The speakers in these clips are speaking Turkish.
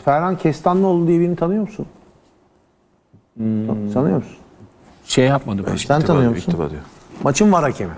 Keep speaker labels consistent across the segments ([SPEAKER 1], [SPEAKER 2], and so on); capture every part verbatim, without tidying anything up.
[SPEAKER 1] Ferhan Kestanlıoğlu diye birini tanıyor musun? Hmm. Tanıyor musun?
[SPEAKER 2] Şey yapmadı başka.
[SPEAKER 1] Sen tanıyor musun? Maçın var hakemi.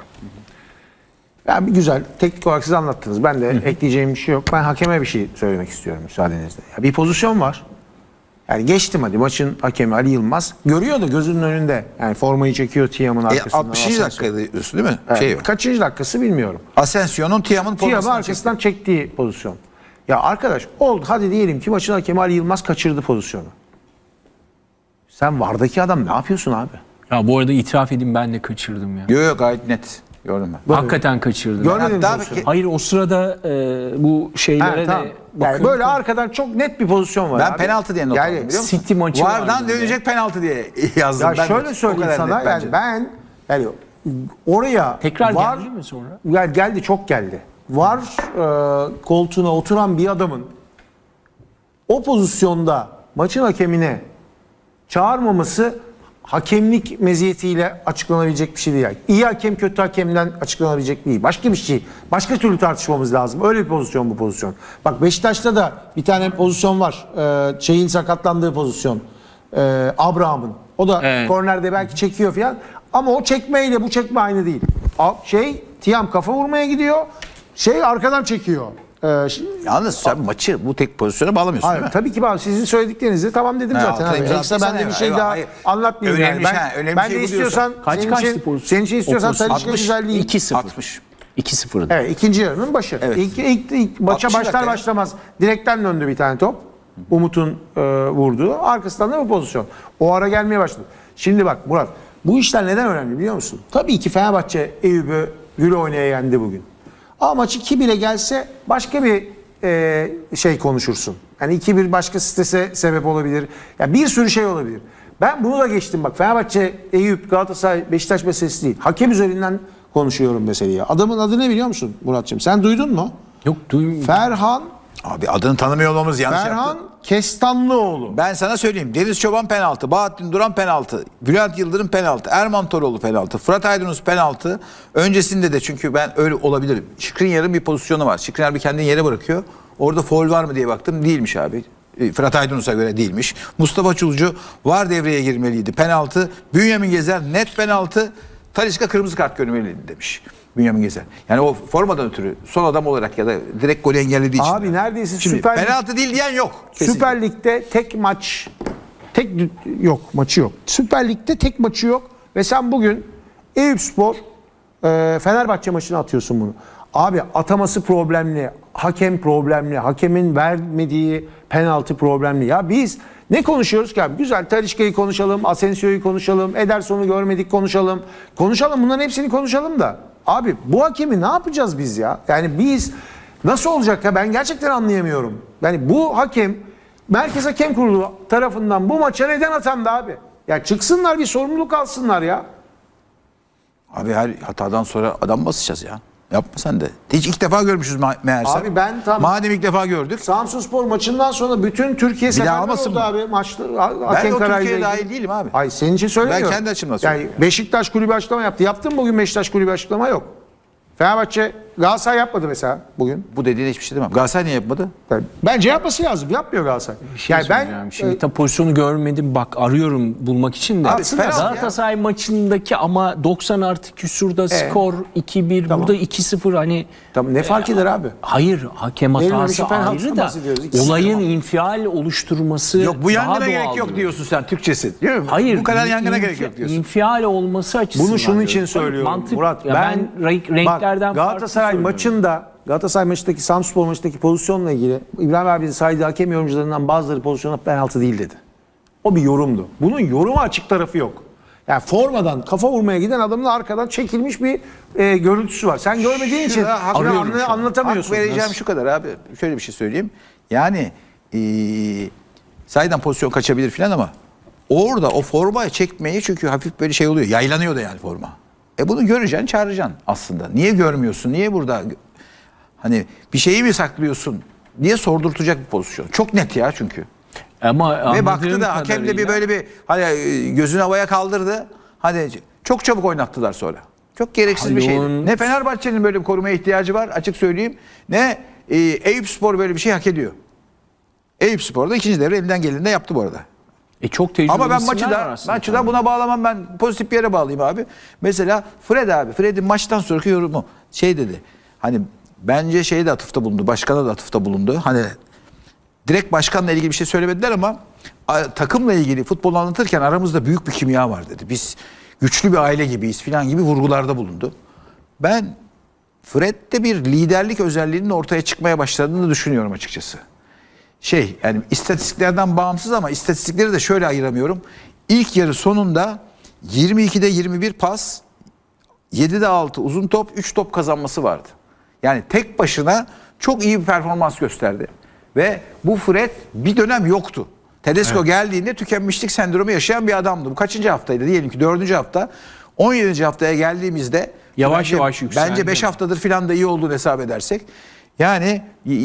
[SPEAKER 1] Yani bir güzel teknik olarak siz anlattınız. Ben de Hı-hı. ekleyeceğim bir şey yok. Ben hakeme bir şey söylemek istiyorum müsaadenizle. Ya bir pozisyon var. Yani geçtim hadi maçın hakemi Ali Yılmaz. Görüyor da gözünün önünde. Yani formayı çekiyor Tiam'ın arkasından.
[SPEAKER 3] E, altmışıncı dakika diyorsun değil mi?
[SPEAKER 1] Evet.
[SPEAKER 3] Şey
[SPEAKER 1] Kaçıncı dakikası bilmiyorum.
[SPEAKER 3] Asensio'nun Tiam'ın
[SPEAKER 1] Tiam'ı arkasından çekti. çektiği pozisyon. Ya arkadaş oldu hadi diyelim ki maçın hakemi Ali Yılmaz kaçırdı pozisyonu. Sen vardaki adam ne yapıyorsun abi?
[SPEAKER 2] Ya bu arada itiraf edeyim ben de kaçırdım ya.
[SPEAKER 3] Yok yok gayet net. Gördüm ben.
[SPEAKER 2] Hakikaten kaçırdım.
[SPEAKER 1] Görmedin
[SPEAKER 3] daha
[SPEAKER 1] pozisyonu.
[SPEAKER 2] Hayır o sırada e, bu şeylere
[SPEAKER 1] Ha, tamam.
[SPEAKER 2] de
[SPEAKER 1] Yani böyle arkadan çok net bir pozisyon var
[SPEAKER 3] Ben
[SPEAKER 1] abi.
[SPEAKER 3] penaltı diye not
[SPEAKER 1] yani,
[SPEAKER 3] aldım biliyor musun?
[SPEAKER 2] City maçı
[SPEAKER 3] Vardan
[SPEAKER 2] vardı
[SPEAKER 3] dönecek penaltı diye yazdım.
[SPEAKER 1] Ya
[SPEAKER 3] ben
[SPEAKER 1] şöyle
[SPEAKER 3] de.
[SPEAKER 1] söyleyeyim sana yani
[SPEAKER 3] bence.
[SPEAKER 1] ben yani oraya
[SPEAKER 2] tekrar
[SPEAKER 1] var,
[SPEAKER 2] geldi mi sonra?
[SPEAKER 1] Yani geldi çok geldi. Var e, koltuğuna oturan bir adamın o pozisyonda maçın hakemine çağırmaması hakemlik meziyetiyle açıklanabilecek bir şey değil. Yani İyi hakem kötü hakemden açıklanabilecek değil. Başka bir şey. Başka türlü tartışmamız lazım. Öyle bir pozisyon bu pozisyon. Bak Beşiktaş'ta da bir tane pozisyon var. Ee, şeyin sakatlandığı pozisyon. Ee, Abraham'ın. O da evet. Kornerde belki çekiyor falan. Ama o çekmeyle bu çekme aynı değil. Şey Tiam kafa vurmaya gidiyor. Şey arkadan çekiyor. Ee,
[SPEAKER 3] Yalnız sen maçı bu tek pozisyona bağlamıyorsun
[SPEAKER 1] hayır, değil mi? Tabii ki bağlı. Sizin söylediklerinizi tamam dedim
[SPEAKER 3] ha,
[SPEAKER 1] zaten. Abi. Yoksa ben de bir şey
[SPEAKER 3] eyvallah,
[SPEAKER 1] daha
[SPEAKER 3] hayır.
[SPEAKER 1] anlatmayayım
[SPEAKER 3] önemli
[SPEAKER 1] yani. Ben,
[SPEAKER 3] şey, önemli
[SPEAKER 1] ben
[SPEAKER 3] şey
[SPEAKER 1] de istiyorsan
[SPEAKER 2] kaç
[SPEAKER 1] senin,
[SPEAKER 2] kaçtı
[SPEAKER 1] için,
[SPEAKER 2] pozisyon?
[SPEAKER 1] senin için istiyorsan Talişka güzelliği.
[SPEAKER 2] iki sıfır.
[SPEAKER 3] altmış.
[SPEAKER 2] iki sıfır.
[SPEAKER 1] Evet ikinci yarının başı.
[SPEAKER 3] Evet.
[SPEAKER 1] İlk, ilk, ilk maça başlar
[SPEAKER 3] dakika.
[SPEAKER 1] başlamaz direkten döndü bir tane top. Umut'un e, vurduğu. Arkasından da bu pozisyon. O ara gelmeye başladı. Şimdi bak Murat bu işler neden önemli biliyor musun? Tabii ki Fenerbahçe Eyüp'ü gül oynaya yendi bugün. Ama maç iki bire gelse başka bir e, şey konuşursun. Yani iki bir başka strese sebep olabilir. Yani bir sürü şey olabilir. Ben bunu da geçtim bak. Fenerbahçe, Eyüp, Galatasaray, Beşiktaş meselesi değil. Hakem üzerinden konuşuyorum meseleyi. Adamın adı ne biliyor musun Muratçığım? Sen duydun mu?
[SPEAKER 2] Yok duymuyorum.
[SPEAKER 1] Ferhan
[SPEAKER 3] Abi adını tanımıyor olmamız yanlış
[SPEAKER 1] Ferhan
[SPEAKER 3] yaptı.
[SPEAKER 1] Kestanlıoğlu.
[SPEAKER 3] Ben sana söyleyeyim. Deniz Çoban penaltı, Bahattin Duran penaltı, Bülent Yıldırım penaltı, Erman Toroğlu penaltı, Fırat Aydınus penaltı. Öncesinde de çünkü ben öyle olabilirim. Skriniar'ın bir pozisyonu var. Skriniar bir kendini yere bırakıyor. Orada faul var mı diye baktım. Değilmiş abi. Fırat Aydınus'a göre değilmiş. Mustafa Çulcu var devreye girmeliydi. Penaltı. Bünyamin Gezer net penaltı. Talişka kırmızı kart görmeliydi demiş. Bünyamin Gezer. Yani o formadan ötürü son adam olarak ya da direkt golü engellediği için.
[SPEAKER 1] Abi neredeyse
[SPEAKER 3] Şimdi,
[SPEAKER 1] Süper
[SPEAKER 3] penaltı değil diyen yok. Kesinlikle.
[SPEAKER 1] Süper Lig'de tek maç tek yok maçı yok. Süper Lig'de tek maçı yok ve sen bugün Eyüpspor e, Fenerbahçe maçına atıyorsun bunu. Abi ataması problemli, hakem problemli, hakemin vermediği penaltı problemli. Ya biz ne konuşuyoruz ki abi? Güzel Talişka'yı konuşalım, Asensio'yu konuşalım, Ederson'u görmedik konuşalım. Konuşalım bunların hepsini konuşalım da. Abi bu hakemi ne yapacağız biz ya? Yani biz nasıl olacak ya ben gerçekten anlayamıyorum. Yani bu hakem Merkez Hakem Kurulu tarafından bu maça neden atandı abi? Ya çıksınlar bir sorumluluk alsınlar ya.
[SPEAKER 3] Abi her hatadan sonra adam basacağız ya. Yapma sen de. Hiç ilk defa görmüşüz meğerse.
[SPEAKER 1] Abi ben tam
[SPEAKER 3] Madem ilk defa gördük.
[SPEAKER 1] Samsunspor maçından sonra bütün Türkiye seferber oldu
[SPEAKER 3] mı?
[SPEAKER 1] abi maçta.
[SPEAKER 3] Ben de o Türkiye'ye dahil değilim abi.
[SPEAKER 1] Ay senin için söylemiyorum.
[SPEAKER 3] Ben kendi açımdan
[SPEAKER 1] Yani
[SPEAKER 3] söylüyorum.
[SPEAKER 1] Beşiktaş kulübü açıklama yaptı. Yaptın mı bugün Beşiktaş kulübü açıklama yok. Fenerbahçe Galatasaray yapmadı mesela bugün.
[SPEAKER 3] Bu dediğine hiçbir şey demem. Galatasaray niye yapmadı?
[SPEAKER 1] Yani bence yapması lazım. Yapmıyor Galatasaray.
[SPEAKER 2] Bir şey
[SPEAKER 1] yani ben
[SPEAKER 2] söyleyeceğim. Şimdi tabii pozisyonu görmedim. Bak arıyorum bulmak için de.
[SPEAKER 1] Abi,
[SPEAKER 2] Galatasaray maçındaki ama doksan artı küsurda skor iki bir.
[SPEAKER 1] Tamam.
[SPEAKER 2] Burada iki sıfır hani.
[SPEAKER 1] Tamam, ne fark eder abi?
[SPEAKER 2] Hayır hakem
[SPEAKER 1] Verilmemiş
[SPEAKER 2] hatası
[SPEAKER 1] penaltıdan
[SPEAKER 2] ayrı da
[SPEAKER 1] bahsediyoruz. İkisi
[SPEAKER 2] olayın
[SPEAKER 1] tamam.
[SPEAKER 2] infial oluşturması
[SPEAKER 3] Yok bu
[SPEAKER 2] daha
[SPEAKER 3] yangına
[SPEAKER 2] doğal
[SPEAKER 3] gerek yok
[SPEAKER 2] diyor.
[SPEAKER 3] diyorsun sen Türkçesi. Değil mi?
[SPEAKER 2] Hayır.
[SPEAKER 3] Bu kadar yangına
[SPEAKER 2] infi-
[SPEAKER 3] gerek yok diyorsun.
[SPEAKER 2] İnfial olması açısından.
[SPEAKER 1] Bunu şunun
[SPEAKER 2] diyorum.
[SPEAKER 1] için söylüyorum
[SPEAKER 2] Mantık,
[SPEAKER 1] Murat.
[SPEAKER 2] ya ben, ben renk, renklerden
[SPEAKER 1] bak, Galatasaray
[SPEAKER 2] farklı söylüyorum.
[SPEAKER 1] maçında Galatasaray maçındaki Samsunspor maçındaki pozisyonla ilgili İbrahim abinin saydığı hakem yorumcularından bazıları pozisyona penaltı değil dedi. O bir yorumdu. Bunun yoruma açık tarafı yok. Yani formadan kafa vurmaya giden adamın arkadan çekilmiş bir e, görüntüsü var. Sen görmediğin için
[SPEAKER 3] Şurada hak
[SPEAKER 1] bunu
[SPEAKER 3] veriyorum
[SPEAKER 1] anla-
[SPEAKER 3] şu an.
[SPEAKER 1] anlatamıyorsun.
[SPEAKER 3] Hak vereceğim
[SPEAKER 1] Nasıl?
[SPEAKER 3] şu kadar abi. Şöyle bir şey söyleyeyim. Yani ee, sahiden pozisyon kaçabilir falan ama orada o formayı çekmeyi çünkü hafif böyle şey oluyor. Yaylanıyor da yani forma. E bunu göreceksin, çağıracaksın aslında. Niye görmüyorsun? Niye burada hani bir şeyi mi saklıyorsun diye sordurtacak bir pozisyon. Çok net ya çünkü.
[SPEAKER 2] Ama
[SPEAKER 3] Ve baktı da hakem de bir
[SPEAKER 2] kadarıyla-
[SPEAKER 3] böyle bir hani gözünü havaya kaldırdı. Hani çok çabuk oynattılar sonra. Çok gereksiz bir şeydi.
[SPEAKER 2] Hayır.
[SPEAKER 3] Ne Fenerbahçe'nin böyle bir korumaya ihtiyacı var açık söyleyeyim. Ne e, Eyüpspor böyle bir şey hak ediyor. Eyüpspor da ikinci devre elinden geleni de yaptı bu arada.
[SPEAKER 2] E çok tecrübeli
[SPEAKER 3] Ama ben
[SPEAKER 2] isimler
[SPEAKER 3] maçı
[SPEAKER 2] var
[SPEAKER 3] da
[SPEAKER 2] aslında.
[SPEAKER 3] maçı da buna bağlamam, ben pozitif bir yere bağlayayım abi. Mesela Fred abi, Fred'in maçtan sonraki yorumu şey dedi. Hani bence şeye de atıfta bulundu, başkana da atıfta bulundu. Hani direkt başkanla ilgili bir şey söylemediler ama a, takımla ilgili futbol anlatırken aramızda büyük bir kimya var dedi. Biz güçlü bir aile gibiyiz falan gibi vurgularda bulundu. Ben Fred'de bir liderlik özelliğinin ortaya çıkmaya başladığını düşünüyorum açıkçası. Şey yani istatistiklerden bağımsız ama istatistikleri de şöyle ayıramıyorum. İlk yarı sonunda yirmi ikide yirmi bir pas, yedide altı uzun top, üç top kazanması vardı. Yani tek başına çok iyi bir performans gösterdi. Ve bu Fred bir dönem yoktu. Tedesco evet. geldiğinde tükenmişlik sendromu yaşayan bir adamdı. Bu kaçıncı haftaydı? Diyelim ki dördüncü hafta. on yedinci haftaya geldiğimizde
[SPEAKER 2] yavaş
[SPEAKER 3] bence,
[SPEAKER 2] yavaş yükseldi.
[SPEAKER 3] Bence beş haftadır filan da iyi olduğunu hesap edersek. Yani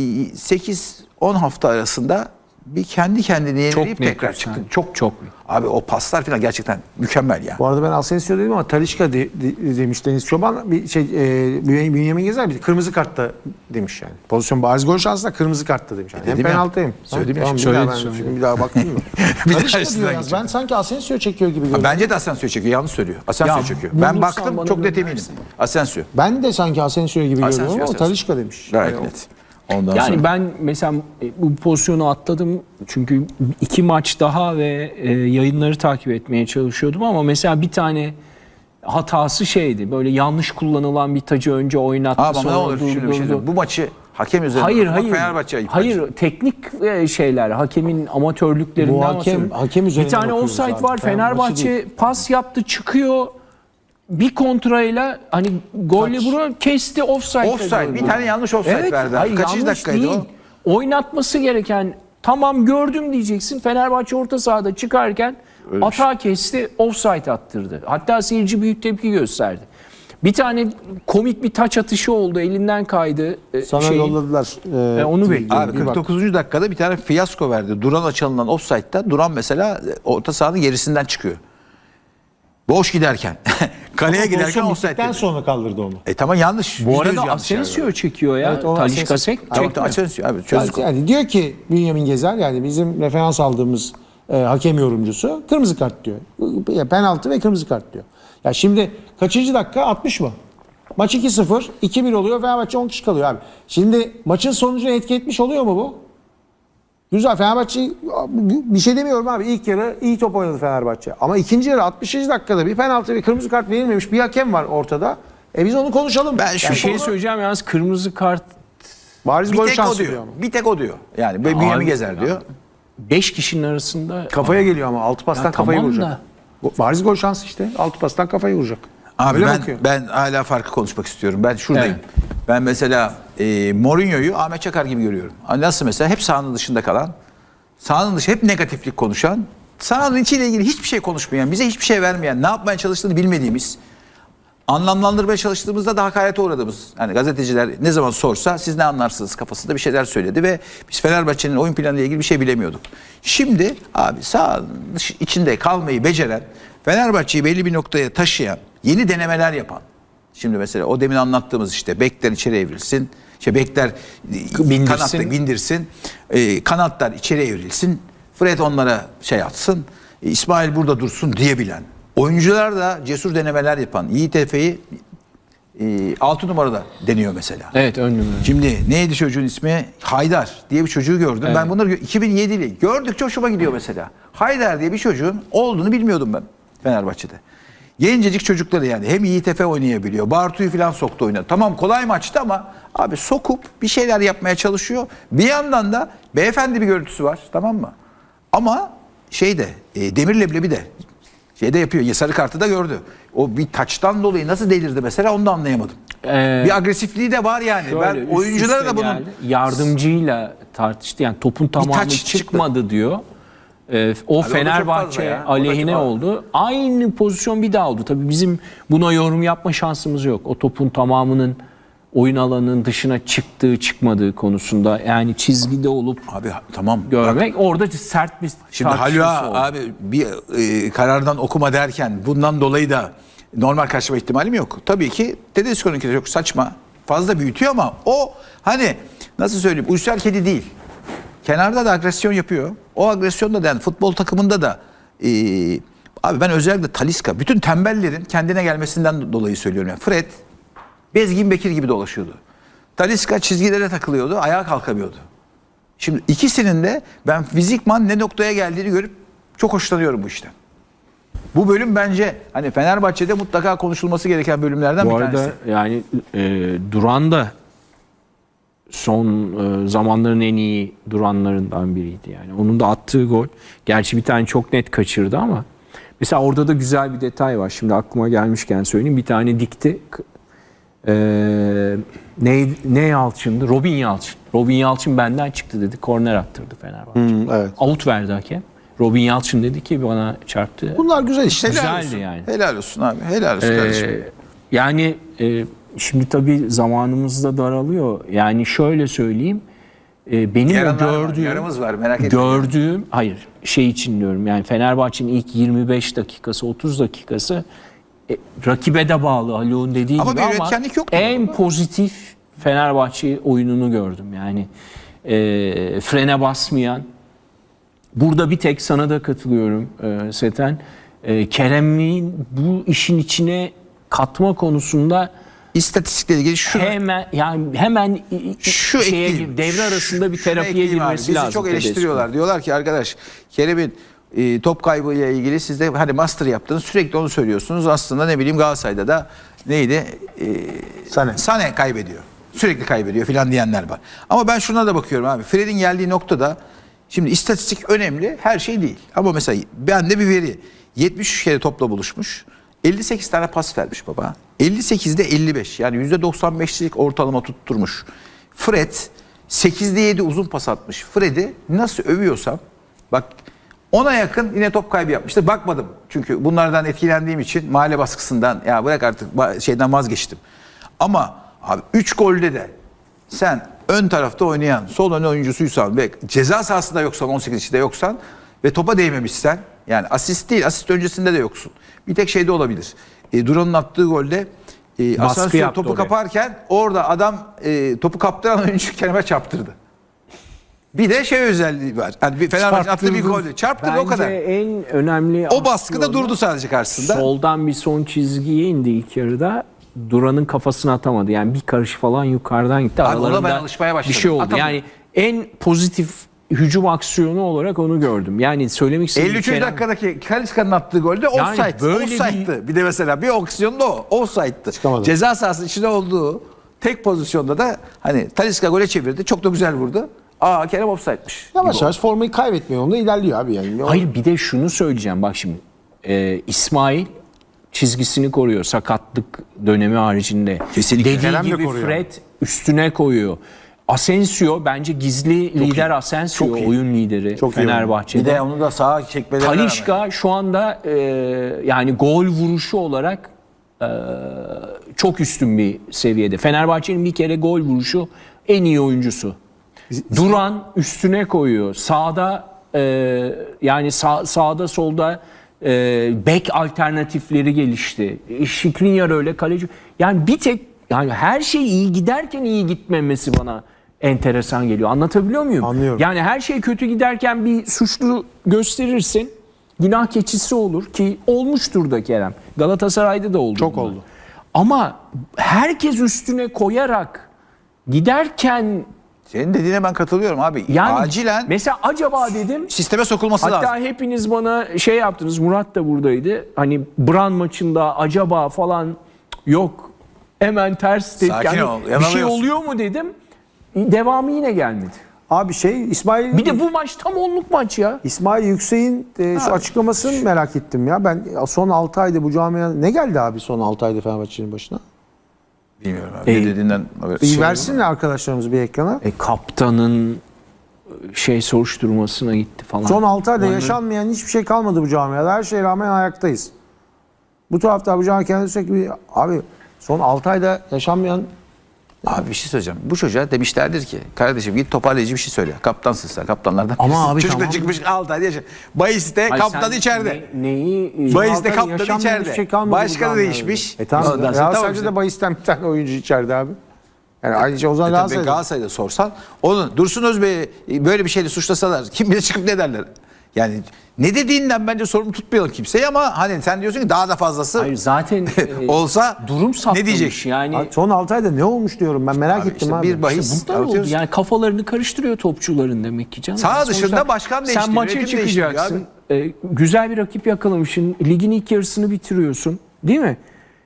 [SPEAKER 3] sekiz on hafta arasında bir kendi kendini yenileyip tekrar çıktı. Çok çok. Abi o paslar falan gerçekten mükemmel ya.
[SPEAKER 1] Bu arada ben Asensio dedim ama Talisca de, de, demiş Deniz Çoban. Bir şey e, Bünyamin Gezer bir kırmızı kartta demiş yani. Pozisyon bariz gol şansında kırmızı kartta demiş. Yani. Hem penaltı hem.
[SPEAKER 3] Söyledim
[SPEAKER 1] tamam,
[SPEAKER 3] ya.
[SPEAKER 1] Tamam,
[SPEAKER 3] Söyledi,
[SPEAKER 1] bir, daha ben, bir daha baktın mı? Talisca diyor yalnız. Ben sanki Asensio çekiyor gibi görüyorum.
[SPEAKER 3] Bence de Asensio çekiyor. Yanlış söylüyor. Asensio
[SPEAKER 2] Ya,
[SPEAKER 3] çekiyor. Ben baktım çok net eminim.
[SPEAKER 2] versin.
[SPEAKER 3] Asensio.
[SPEAKER 1] Ben de sanki Asensio gibi
[SPEAKER 3] Asensio,
[SPEAKER 1] görüyorum ama
[SPEAKER 3] Asensio.
[SPEAKER 1] Talisca demiş.
[SPEAKER 3] Gayet
[SPEAKER 1] Yani
[SPEAKER 3] net. Ondan
[SPEAKER 2] Yani
[SPEAKER 3] sonra.
[SPEAKER 2] ben mesela bu pozisyonu atladım çünkü iki maç daha ve e, yayınları takip etmeye çalışıyordum ama mesela bir tane hatası şeydi, böyle yanlış kullanılan bir tacı önce oynattı
[SPEAKER 3] Ama
[SPEAKER 2] sonra
[SPEAKER 3] ne olur şöyle bir şey
[SPEAKER 2] durdurdu.
[SPEAKER 3] diyeyim. Bu maçı hakem üzerine
[SPEAKER 2] Hayır
[SPEAKER 3] bak,
[SPEAKER 2] hayır.
[SPEAKER 3] Fenerbahçe ayıp
[SPEAKER 2] Hayır
[SPEAKER 3] bence.
[SPEAKER 2] teknik e, şeyler, hakemin amatörlüklerinden
[SPEAKER 1] Bu hakem-
[SPEAKER 2] bahsediyorum.
[SPEAKER 1] hakem üzerine
[SPEAKER 2] bir tane
[SPEAKER 1] bakıyoruz
[SPEAKER 2] offside
[SPEAKER 1] abi.
[SPEAKER 2] var.
[SPEAKER 1] Fenerbahçe
[SPEAKER 2] Fenerbahçe pas yaptı, çıkıyor. Bir kontrayla hani golle bunu kesti, offside.
[SPEAKER 3] Offside. Bir tane yanlış offside
[SPEAKER 2] Evet,
[SPEAKER 3] verdi.
[SPEAKER 2] hayır,
[SPEAKER 3] Kaçıncı
[SPEAKER 2] yanlış
[SPEAKER 3] dakikaydı
[SPEAKER 2] değil.
[SPEAKER 3] o?
[SPEAKER 2] Oynatması gereken, tamam gördüm diyeceksin. Fenerbahçe orta sahada çıkarken atağı kesti, offside attırdı. Hatta seyirci büyük tepki gösterdi. Bir tane komik bir taç atışı oldu, elinden kaydı. e,
[SPEAKER 1] Sana
[SPEAKER 2] şeyin.
[SPEAKER 1] yolladılar. E,
[SPEAKER 2] E, onu bekliyorum.
[SPEAKER 3] Abi kırk dokuzuncu dakikada bir tane fiyasko verdi. Duran'a çalınan offside'da Duran mesela orta sahanın gerisinden çıkıyor. Boş giderken. Kaleye giderken offside
[SPEAKER 1] offside'den
[SPEAKER 3] dedi.
[SPEAKER 1] sonra kaldırdı onu.
[SPEAKER 3] E tamam yanlış.
[SPEAKER 2] Bu
[SPEAKER 3] Yüzde
[SPEAKER 2] arada
[SPEAKER 3] yüz yanlış
[SPEAKER 2] Asensio
[SPEAKER 3] yani.
[SPEAKER 2] çekiyor ya.
[SPEAKER 1] Evet, o
[SPEAKER 2] Talisca
[SPEAKER 1] Asensio-
[SPEAKER 2] sek
[SPEAKER 3] Tamam,
[SPEAKER 2] çekmiyor.
[SPEAKER 3] Asensio abi çözdük.
[SPEAKER 1] Yani diyor ki Bünyamin Gezer yani bizim referans aldığımız e, hakem yorumcusu kırmızı kart diyor. Ya, penaltı ve kırmızı kart diyor. Ya şimdi kaçıncı dakika? altmış mı? Maç iki sıfır, iki bir oluyor. Fenerbahçe on kişi kalıyor abi. Şimdi maçın sonucuna etki etmiş oluyor mu bu? Güzel, Fenerbahçe bir şey demiyorum abi. İlk yarı iyi top oynadı Fenerbahçe. Ama ikinci yarı altmışıncı dakikada bir penaltı ve kırmızı kart verilmemiş bir hakem var ortada. E biz onu konuşalım.
[SPEAKER 3] Ben şu
[SPEAKER 2] Bir şey
[SPEAKER 1] konu-
[SPEAKER 2] söyleyeceğim yalnız, kırmızı kart
[SPEAKER 1] bariz
[SPEAKER 3] Bir
[SPEAKER 1] gol
[SPEAKER 3] tek o
[SPEAKER 1] şansı
[SPEAKER 3] diyor.
[SPEAKER 1] diyor ama.
[SPEAKER 3] Bir tek o diyor. Yani Bünyamin
[SPEAKER 2] Abi,
[SPEAKER 3] Gezer
[SPEAKER 2] ya.
[SPEAKER 3] diyor.
[SPEAKER 2] beş kişinin arasında
[SPEAKER 1] Kafaya geliyor ama altı pastan
[SPEAKER 2] Ya
[SPEAKER 1] kafayı
[SPEAKER 2] tamam
[SPEAKER 1] vuracak.
[SPEAKER 2] da.
[SPEAKER 1] Bariz gol şansı işte. Altı pastan kafayı vuracak.
[SPEAKER 3] Abi
[SPEAKER 1] Öyle
[SPEAKER 3] ben
[SPEAKER 1] bakıyor.
[SPEAKER 3] ben hala farkı konuşmak istiyorum. Ben şuradayım.
[SPEAKER 2] Evet.
[SPEAKER 3] Ben mesela e, Mourinho'yu Ahmet Çakar gibi görüyorum. Hani nasıl mesela hep sahanın dışında kalan, sahanın dışı hep negatiflik konuşan, sahanın içiyle ilgili hiçbir şey konuşmayan, bize hiçbir şey vermeyen, ne yapmaya çalıştığını bilmediğimiz, anlamlandırmaya çalıştığımızda da hakarete uğradığımız. Hani gazeteciler ne zaman sorsa siz ne anlarsınız kafasında bir şeyler söyledi ve biz Fenerbahçe'nin oyun planıyla ilgili bir şey bilemiyorduk. Şimdi abi sahanın dış- içinde kalmayı beceren, Fenerbahçe'yi belli bir noktaya taşıyan, yeni denemeler yapan. Şimdi mesela o demin anlattığımız işte bekler içeri evrilsin, işte bekler
[SPEAKER 2] Bindirsin.
[SPEAKER 3] kanatta bindirsin, e, kanatlar içeri evrilsin, Fred onlara şey atsın, e, İsmail burada dursun diyebilen. Oyuncular da cesur denemeler yapan. Yiğit Efe'yi e, altı numarada deniyor mesela.
[SPEAKER 2] Evet, ön numara.
[SPEAKER 3] Şimdi neydi çocuğun ismi? Haydar diye bir çocuğu gördüm. Ben bunları gö- iki bin yedili gördükçe hoşuma gidiyor mesela. Haydar diye bir çocuğun olduğunu bilmiyordum ben Fenerbahçe'de. Gencecik çocukları yani hem Yiğit Efe oynayabiliyor. Bartu'yu falan soktu oynadı. Tamam kolay maçtı ama abi sokup bir şeyler yapmaya çalışıyor. Bir yandan da beyefendi bir görüntüsü var, tamam mı? Ama şeyde e, Demir Leblebi de şeyde yapıyor. Sarı kartı da gördü. O bir taçtan dolayı nasıl delirdi mesela onu da anlayamadım.
[SPEAKER 2] Ee,
[SPEAKER 3] bir agresifliği de var yani.
[SPEAKER 2] Şöyle,
[SPEAKER 3] Ben
[SPEAKER 2] üst
[SPEAKER 3] oyunculara
[SPEAKER 2] üste
[SPEAKER 3] da bunun
[SPEAKER 2] geldi. Yardımcıyla tartıştı. Yani topun tamamı
[SPEAKER 3] taç çıktı.
[SPEAKER 2] çıkmadı diyor. Ee, o
[SPEAKER 3] çok fazla
[SPEAKER 2] Fenerbahçe
[SPEAKER 3] ya. O da
[SPEAKER 2] aleyhine
[SPEAKER 3] çok-
[SPEAKER 2] oldu. Aynı pozisyon bir daha oldu. Tabii bizim buna yorum yapma şansımız yok. O topun tamamının oyun alanının dışına çıktığı çıkmadığı konusunda yani çizgide olup
[SPEAKER 3] abi tamam. Bak,
[SPEAKER 2] görmek orada sert bir
[SPEAKER 3] şimdi
[SPEAKER 2] tartışması
[SPEAKER 3] Halua
[SPEAKER 2] oldu.
[SPEAKER 3] abi bir e, karardan okuma derken bundan dolayı da normal karşıma ihtimalim yok. Tabii ki Tedesco'nunki de çok saçma. Fazla büyütüyor ama o hani nasıl söyleyeyim uysal kedi değil. kenarda da agresyon yapıyor. O agresyon da yani futbol takımında da e, abi ben özellikle Talisca bütün tembellerin kendine gelmesinden dolayı söylüyorum. Yani Fred Bezgin Bekir gibi dolaşıyordu. Talisca çizgilere takılıyordu, ayağa kalkamıyordu. Şimdi ikisinin de ben fizikman ne noktaya geldiğini görüp çok hoşlanıyorum bu işten. Bu bölüm bence hani Fenerbahçe'de mutlaka konuşulması gereken bölümlerden
[SPEAKER 2] Bu
[SPEAKER 3] bir
[SPEAKER 2] arada
[SPEAKER 3] tanesi.
[SPEAKER 2] yani e, Duran da son e, zamanların en iyi Duranlarından biriydi yani. Onun da attığı gol. Gerçi bir tane çok net kaçırdı ama mesela orada da güzel bir detay var. Şimdi aklıma gelmişken söyleyeyim. Bir tane dikti. E, ne, ne Yalçın'dı? Robin Yalçın. Robin Yalçın benden çıktı dedi. Korner attırdı Fenerbahçe.
[SPEAKER 1] Hmm, evet.
[SPEAKER 2] Out verdi hakem. Robin Yalçın dedi ki bana çarptı.
[SPEAKER 1] Bunlar güzel işte.
[SPEAKER 3] Helal
[SPEAKER 2] güzeldi
[SPEAKER 3] olsun.
[SPEAKER 2] yani.
[SPEAKER 3] Helal olsun abi. Helal olsun kardeşim.
[SPEAKER 2] Ee, yani e, şimdi tabii zamanımız da daralıyor. Yani şöyle söyleyeyim. E, benim o
[SPEAKER 3] Yaranlar var,
[SPEAKER 2] gördüğüm,
[SPEAKER 3] yaramız var, merak etmeyin.
[SPEAKER 2] gördüğüm, hayır şey için diyorum yani Fenerbahçe'nin ilk yirmi beş dakikası, otuz dakikası e, rakibe de bağlı Haluk'un dediği
[SPEAKER 3] Ama
[SPEAKER 2] gibi
[SPEAKER 3] bir
[SPEAKER 2] ama
[SPEAKER 3] üretkenlik yoktu
[SPEAKER 2] en
[SPEAKER 3] burada.
[SPEAKER 2] pozitif Fenerbahçe oyununu gördüm. Yani e, frene basmayan. Burada bir tek sana da katılıyorum e, Seten. E, Kerem'in bu işin içine katma konusunda
[SPEAKER 3] İstatistikle ilgili şu
[SPEAKER 2] hemen yani hemen
[SPEAKER 3] şu
[SPEAKER 2] şeye
[SPEAKER 3] ekleyeyim.
[SPEAKER 2] gir- devre arasında bir
[SPEAKER 3] Şunu
[SPEAKER 2] terapiye
[SPEAKER 3] ekleyeyim abi.
[SPEAKER 2] girmesi
[SPEAKER 3] Bizi
[SPEAKER 2] lazım.
[SPEAKER 3] çok eleştiriyorlar. Diyorlar ki arkadaş Kerem'in e, top kaybıyla ilgili siz de hani master yaptınız sürekli onu söylüyorsunuz. Aslında ne bileyim Galatasaray'da da neydi? E,
[SPEAKER 1] Sané.
[SPEAKER 3] Sané kaybediyor. Sürekli kaybediyor filan diyenler var. Ama ben şuna da bakıyorum abi. Fred'in geldiği noktada şimdi istatistik önemli. Her şey değil. Ama mesela bende bir veri. yetmiş üç kere topla buluşmuş. elli sekiz tane pas vermiş baba. elli sekizde elli beş. Yani yüzde doksan beşlik ortalama tutturmuş. Fred sekizde yedi uzun pas atmış. Fred'i nasıl övüyorsam bak ona yakın yine top kaybı yapmıştı. Bakmadım. Çünkü bunlardan etkilendiğim için mahalle baskısından ya bırak artık şeyden vazgeçtim. Ama abi üç golde de sen ön tarafta oynayan sol ön oyuncusuysan ve ceza sahasında yoksan on sekiz içinde yoksan ve topa değmemişsen yani asist değil asist öncesinde de yoksun. Bir tek şeyde olabilir. E, Duran'ın attığı golde e,
[SPEAKER 2] Baskı
[SPEAKER 3] Asansör
[SPEAKER 2] yaptı
[SPEAKER 3] topu
[SPEAKER 2] oraya.
[SPEAKER 3] kaparken orada adam e, topu kaptıran oyuncu Kerem'e çarptırdı. Bir de şey özelliği var. Yani bir Fenerbahçe attığı bir gol. Çarptırdı o kadar.
[SPEAKER 2] Bence en önemli
[SPEAKER 3] O baskıda
[SPEAKER 2] aksiyonu,
[SPEAKER 3] durdu sadece karşısında.
[SPEAKER 2] soldan bir son çizgiye indi ilk yarıda. Duran'ın kafasını atamadı. Yani bir karış falan yukarıdan gitti.
[SPEAKER 3] Abi ona
[SPEAKER 2] Aralarında
[SPEAKER 3] ben alışmaya başladım.
[SPEAKER 2] bir şey oldu.
[SPEAKER 3] Atamadı.
[SPEAKER 2] Yani en pozitif hücum aksiyonu olarak onu gördüm. Yani söylemek istediğim
[SPEAKER 3] elli üçüncü
[SPEAKER 2] Kerem-
[SPEAKER 3] dakikadaki Kaliska'nın attığı golde offside.
[SPEAKER 2] böyle
[SPEAKER 3] Offside'dı. Bir... de mesela bir opsiyonda o. Offside'dı.
[SPEAKER 1] Çıkamadı.
[SPEAKER 3] Ceza sahasının içinde olduğu tek pozisyonda da hani Talisca gole çevirdi. Çok da güzel vurdu. Aa Kerem offside'miş.
[SPEAKER 1] Yavaş yavaş formayı kaybetmiyor yolunda ilerliyor abi yani.
[SPEAKER 2] Hayır bir de şunu söyleyeceğim bak şimdi. Ee, İsmail çizgisini koruyor sakatlık dönemi haricinde.
[SPEAKER 3] Kesinlikle.
[SPEAKER 2] Dediği
[SPEAKER 1] Kerem de
[SPEAKER 2] gibi
[SPEAKER 1] koruyor.
[SPEAKER 2] Fred üstüne koyuyor. Asensio bence gizli lider Asensio
[SPEAKER 3] Çok iyi.
[SPEAKER 2] oyun lideri
[SPEAKER 1] Çok iyi
[SPEAKER 2] Fenerbahçe'de.
[SPEAKER 3] Bir de onu da sağa çekmelerine rağmen.
[SPEAKER 2] Talisca şu anda e, yani gol vuruşu olarak e, çok üstün bir seviyede. Fenerbahçe'nin bir kere gol vuruşu en iyi oyuncusu. Duran üstüne koyuyor. Sağda e, yani sağ, sağda solda e, bek alternatifleri gelişti. Şikrinyar öyle kaleci. Yani bir tek yani her şey iyi giderken iyi gitmemesi bana enteresan geliyor. Anlatabiliyor muyum?
[SPEAKER 1] Anlıyorum.
[SPEAKER 2] Yani her şey kötü giderken bir suçlu gösterirsin. Günah keçisi olur ki olmuştur da Kerem. Galatasaray'da da oldu.
[SPEAKER 1] Çok
[SPEAKER 2] bunlar.
[SPEAKER 1] oldu.
[SPEAKER 2] Ama herkes üstüne koyarak giderken
[SPEAKER 3] Senin dediğine ben katılıyorum abi.
[SPEAKER 2] yani
[SPEAKER 3] Acilen
[SPEAKER 2] mesela acaba dedim
[SPEAKER 3] sisteme sokulması
[SPEAKER 2] hatta
[SPEAKER 3] lazım.
[SPEAKER 2] hepiniz bana şey yaptınız, Murat da buradaydı. Hani Bran maçında acaba falan yok. Hemen ters tepki.
[SPEAKER 3] Sakin
[SPEAKER 2] Yani
[SPEAKER 3] ol,
[SPEAKER 2] bir şey
[SPEAKER 3] yanılıyorsun.
[SPEAKER 2] oluyor mu dedim. Devamı yine gelmedi.
[SPEAKER 1] Abi şey İsmail
[SPEAKER 2] Bir de bu maç tam onluk maç ya.
[SPEAKER 1] İsmail Yüksek'in e, şu açıklamasını merak ettim ya. Ben son altı ayda bu camiaya ne geldi abi son altı ayda Fenerbahçe'nin başına?
[SPEAKER 3] Bilmiyorum abi.
[SPEAKER 2] E,
[SPEAKER 3] Ne dediğinden haber-
[SPEAKER 1] Bir
[SPEAKER 3] şey
[SPEAKER 1] versin arkadaşlarımız bir ekrana.
[SPEAKER 2] E, kaptanın şey soruşturmasına gitti falan.
[SPEAKER 1] Son altı ayda
[SPEAKER 2] Onları-
[SPEAKER 1] yaşanmayan hiçbir şey kalmadı bu camiada. Her şeye rağmen ayaktayız. Bu tarafta bu camia kendisi sürekli bir, abi son altı ayda yaşanmayan
[SPEAKER 3] Abi bir şey söyleyeceğim. Bu çocuğa demişlerdir ki kardeşim git toparlayıcı bir şey söyle. Kaptansın sen kaptanlardan.
[SPEAKER 2] Ama
[SPEAKER 3] birisin.
[SPEAKER 2] abi
[SPEAKER 3] Çocuk da
[SPEAKER 2] tamam.
[SPEAKER 3] çıkmış altı ay yaşa. Bayiste
[SPEAKER 2] Hayır,
[SPEAKER 3] kaptan
[SPEAKER 2] sen
[SPEAKER 3] içeride.
[SPEAKER 2] ne- neyi
[SPEAKER 1] Bayis-
[SPEAKER 3] Bayiste
[SPEAKER 1] Altı ay
[SPEAKER 3] kaptan
[SPEAKER 1] yaşanmayan
[SPEAKER 3] içeride.
[SPEAKER 1] hiçbir şey kalmadı bu
[SPEAKER 3] Başkanı
[SPEAKER 1] camiada.
[SPEAKER 3] değişmiş.
[SPEAKER 1] E tamam.
[SPEAKER 3] Ondan sonra
[SPEAKER 1] Galatasaray'da
[SPEAKER 3] tamam işte.
[SPEAKER 1] da Bayis'ten bir tane oyuncu içeride abi. Yani ayrıca o zaman
[SPEAKER 3] E tabii
[SPEAKER 1] Galatasaray'da.
[SPEAKER 3] Galatasaray'da sorsan onu Dursun Özbey'i böyle bir şeyle suçlasalar kim bilir çıkıp ne derler? Yani ne dediğinden bence sorumlu tutmayalım kimseyi ama hani sen diyorsun ki daha da fazlası
[SPEAKER 2] Hayır zaten e,
[SPEAKER 3] olsa
[SPEAKER 2] durum
[SPEAKER 3] ne
[SPEAKER 2] saptamış
[SPEAKER 3] diyecek?
[SPEAKER 2] yani.
[SPEAKER 1] Abi son altı ayda ne olmuş diyorum ben merak
[SPEAKER 3] Abi
[SPEAKER 1] ettim
[SPEAKER 3] işte
[SPEAKER 1] abi.
[SPEAKER 3] bir bahis
[SPEAKER 2] İşte bunlar oldu.
[SPEAKER 3] atıyoruz.
[SPEAKER 2] Yani kafalarını karıştırıyor topçuların demek ki canım.
[SPEAKER 3] Sağ
[SPEAKER 2] Yani
[SPEAKER 3] dışında
[SPEAKER 2] sonuçta
[SPEAKER 3] başkan değiştiriyor,
[SPEAKER 2] sen maça
[SPEAKER 3] yönetim değiştiriyor
[SPEAKER 2] çıkacaksın. e, güzel bir rakip yakalamışsın. Ligin ilk yarısını bitiriyorsun. Değil mi?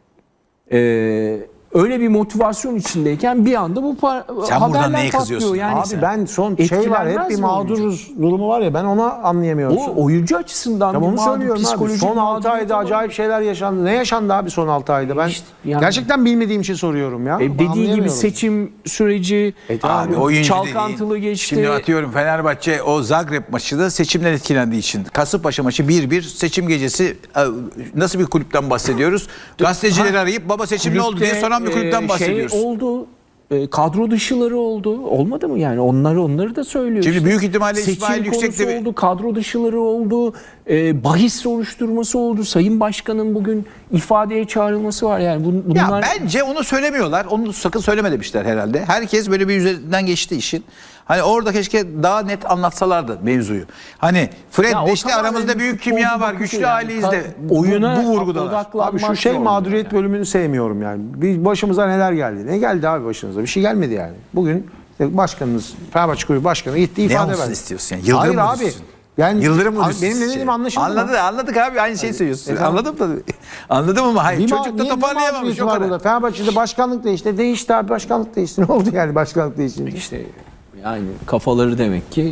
[SPEAKER 2] E, öyle bir motivasyon içindeyken bir anda bu par-
[SPEAKER 3] Sen buradan
[SPEAKER 2] haberler
[SPEAKER 3] neye
[SPEAKER 2] patlıyor.
[SPEAKER 3] kızıyorsun?
[SPEAKER 2] Yani
[SPEAKER 1] Abi ben son şey var
[SPEAKER 2] etkilenmez
[SPEAKER 1] hep bir
[SPEAKER 2] mi oyuncu?
[SPEAKER 1] mağduruz durumu var ya ben onu anlayamıyorum.
[SPEAKER 2] O oyuncu açısından
[SPEAKER 1] Tamam
[SPEAKER 2] bir
[SPEAKER 1] onu
[SPEAKER 2] mağdur,
[SPEAKER 1] söylüyorum abi.
[SPEAKER 2] psikolojik
[SPEAKER 1] Son altı
[SPEAKER 2] mağduriyet
[SPEAKER 1] ayda
[SPEAKER 2] olabilir.
[SPEAKER 1] acayip şeyler yaşandı. Ne yaşandı abi son altı ayda? Ben
[SPEAKER 2] İşte yani-
[SPEAKER 1] gerçekten bilmediğim için soruyorum ya.
[SPEAKER 2] E,
[SPEAKER 1] Ben
[SPEAKER 2] dediği gibi
[SPEAKER 1] anlayamıyorum.
[SPEAKER 2] seçim süreci
[SPEAKER 3] Abi oyuncu
[SPEAKER 2] çalkantılı
[SPEAKER 3] dediğin,
[SPEAKER 2] geçti.
[SPEAKER 3] Şimdi atıyorum Fenerbahçe o Zagreb maçı da seçimden etkilendiği için. Kasımpaşa maçı bir bir seçim gecesi e, nasıl bir kulüpten bahsediyoruz? Gazetecileri arayıp baba seçim ne oldu diye soran bir kulüpten
[SPEAKER 2] e,
[SPEAKER 3] bahsediyoruz.
[SPEAKER 2] Şey oldu. e, kadro dışıları oldu. Olmadı mı yani? Onları onları da söylüyor.
[SPEAKER 3] Şimdi
[SPEAKER 2] işte.
[SPEAKER 3] büyük ihtimalle
[SPEAKER 2] Seçim
[SPEAKER 3] İsmail
[SPEAKER 2] konusu
[SPEAKER 3] Yüksek'te bir-
[SPEAKER 2] oldu, kadro dışıları oldu. E, bahis soruşturması oldu. Sayın Başkan'ın bugün ifadeye çağrılması var. Yani bun- bunlar
[SPEAKER 3] Ya bence onu söylemiyorlar. Onu sakın söyleme demişler herhalde. Herkes böyle bir üzerinden geçti işin. Hani orada keşke daha net anlatsalardı mevzuyu. Hani Fred
[SPEAKER 2] Ya o
[SPEAKER 3] de işte
[SPEAKER 2] tamamen
[SPEAKER 3] aramızda
[SPEAKER 2] bir
[SPEAKER 3] büyük
[SPEAKER 2] futbolcu
[SPEAKER 3] kimya var,
[SPEAKER 2] bakışı
[SPEAKER 3] güçlü
[SPEAKER 2] yani.
[SPEAKER 3] aileyiz de.
[SPEAKER 2] Ka- oyuna
[SPEAKER 3] bu, bu vurgudalar.
[SPEAKER 2] odaklanmak
[SPEAKER 1] Abi şu şey
[SPEAKER 2] zorunda
[SPEAKER 1] mağduriyet
[SPEAKER 2] yani.
[SPEAKER 1] bölümünü sevmiyorum yani. Bir başımıza neler geldi? Ne geldi abi başınıza? Bir şey gelmedi yani. Bugün işte başkanınız, Fenerbahçe Kulübü Başkanı gitti
[SPEAKER 3] Ne
[SPEAKER 1] ifade
[SPEAKER 3] olsun
[SPEAKER 1] verdi.
[SPEAKER 3] istiyorsun yani? Yıldırım
[SPEAKER 1] Hayır
[SPEAKER 3] mı
[SPEAKER 1] abi.
[SPEAKER 3] düşsün?
[SPEAKER 1] Yani
[SPEAKER 3] Yıldırım mı
[SPEAKER 1] abi
[SPEAKER 3] düşsün?
[SPEAKER 1] benim ne dediğim anlaşıldı mı?
[SPEAKER 3] Anladı, anladık abi aynı şeyi söylüyorsun.
[SPEAKER 1] E, tamam.
[SPEAKER 3] Anladım tabii. Anladım ama hayır
[SPEAKER 1] Bir ma-
[SPEAKER 3] çocuk da
[SPEAKER 1] niye- ne
[SPEAKER 3] toparlayamamış
[SPEAKER 1] mağduriyeti
[SPEAKER 3] o
[SPEAKER 1] var
[SPEAKER 3] kadar.
[SPEAKER 1] burada? Fenerbahçe'de başkanlık değişti. Değişti abi başkanlık değişti. Ne oldu yani başkanlık değişti?
[SPEAKER 2] İşte yani kafaları demek ki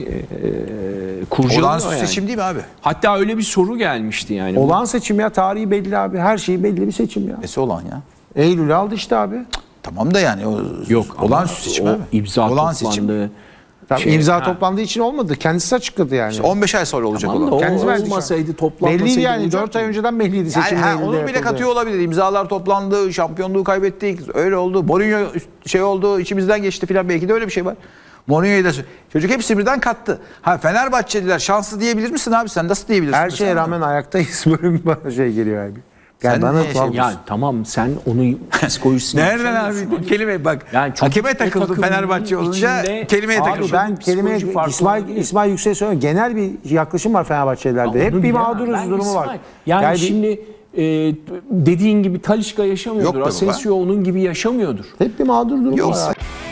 [SPEAKER 2] e, kurcalıyor
[SPEAKER 3] Olağanüstü
[SPEAKER 2] yani.
[SPEAKER 3] seçim değil mi abi?
[SPEAKER 2] Hatta öyle bir soru gelmişti yani.
[SPEAKER 1] Olağan seçim ya tarihi belli abi. Her şeyi belli bir seçim ya.
[SPEAKER 3] Nesi olan ya?
[SPEAKER 1] Eylül'ü aldı işte abi.
[SPEAKER 3] Tamam da yani o
[SPEAKER 2] Yok ama
[SPEAKER 3] olağanüstü seçim
[SPEAKER 2] o
[SPEAKER 3] abi.
[SPEAKER 2] imza
[SPEAKER 3] Olağan seçim.
[SPEAKER 2] toplandı.
[SPEAKER 1] Tabii
[SPEAKER 2] Şey,
[SPEAKER 1] imza
[SPEAKER 2] ha.
[SPEAKER 1] toplandığı için olmadı. Kendisi açıkladı yani.
[SPEAKER 3] on beş ay sonra olacak
[SPEAKER 2] Tamam da
[SPEAKER 3] olan.
[SPEAKER 2] o
[SPEAKER 1] Kendisi verdi şu an.
[SPEAKER 2] olmasaydı toplanmasaydı
[SPEAKER 1] Belliydi yani.
[SPEAKER 2] olacak
[SPEAKER 1] dört ay
[SPEAKER 2] mı?
[SPEAKER 1] önceden belliydi seçim.
[SPEAKER 3] Yani ha,
[SPEAKER 1] Eylül'de
[SPEAKER 3] onu bile
[SPEAKER 1] yapıldı.
[SPEAKER 3] katıyor olabilir. İmzalar toplandı, şampiyonluğu kaybettik, öyle oldu. Mourinho şey oldu, içimizden geçti filan belki de öyle bir şey var. Mourinho'yu da çocuk hepsi birden kattı. Ha Fenerbahçeliler şanslı diyebilir misin abi? Sen nasıl diyebilirsin?
[SPEAKER 1] Her şeye
[SPEAKER 3] mesela?
[SPEAKER 1] rağmen ayaktayız bölüm bana şey geliyor abi. Yani
[SPEAKER 3] Sen
[SPEAKER 1] bana
[SPEAKER 3] niye
[SPEAKER 1] tuhaf-
[SPEAKER 3] şey-
[SPEAKER 2] Yani tamam sen onu psikolojisini
[SPEAKER 3] Nereden
[SPEAKER 2] yaşamıyorsun.
[SPEAKER 3] abi? Kelime bak.
[SPEAKER 2] Yani çocuk
[SPEAKER 3] hakeme
[SPEAKER 2] o
[SPEAKER 3] takıldı
[SPEAKER 2] takımın
[SPEAKER 3] Fenerbahçe olunca
[SPEAKER 2] içinde-
[SPEAKER 3] kelimeye
[SPEAKER 2] Abi
[SPEAKER 3] takıldı.
[SPEAKER 1] Ben
[SPEAKER 2] Psikoloji
[SPEAKER 1] kelime
[SPEAKER 2] farkı
[SPEAKER 1] İsmail
[SPEAKER 2] olabilir.
[SPEAKER 1] İsmail Yüksek söylüyorum. Genel bir yaklaşım var Fenerbahçelilerde. Hep
[SPEAKER 2] Onu
[SPEAKER 1] bir
[SPEAKER 2] bilemem.
[SPEAKER 1] mağduruz
[SPEAKER 2] Ben
[SPEAKER 1] durumu var.
[SPEAKER 2] İsmail, Yani,
[SPEAKER 1] Yani bir-
[SPEAKER 2] şimdi e, dediğin gibi Talisca
[SPEAKER 3] Yok
[SPEAKER 2] yaşamıyordur.
[SPEAKER 3] be baba.
[SPEAKER 2] Asensio onun gibi yaşamıyordur.
[SPEAKER 1] hep bir mağdur durumu
[SPEAKER 3] Yok.
[SPEAKER 1] var. abi.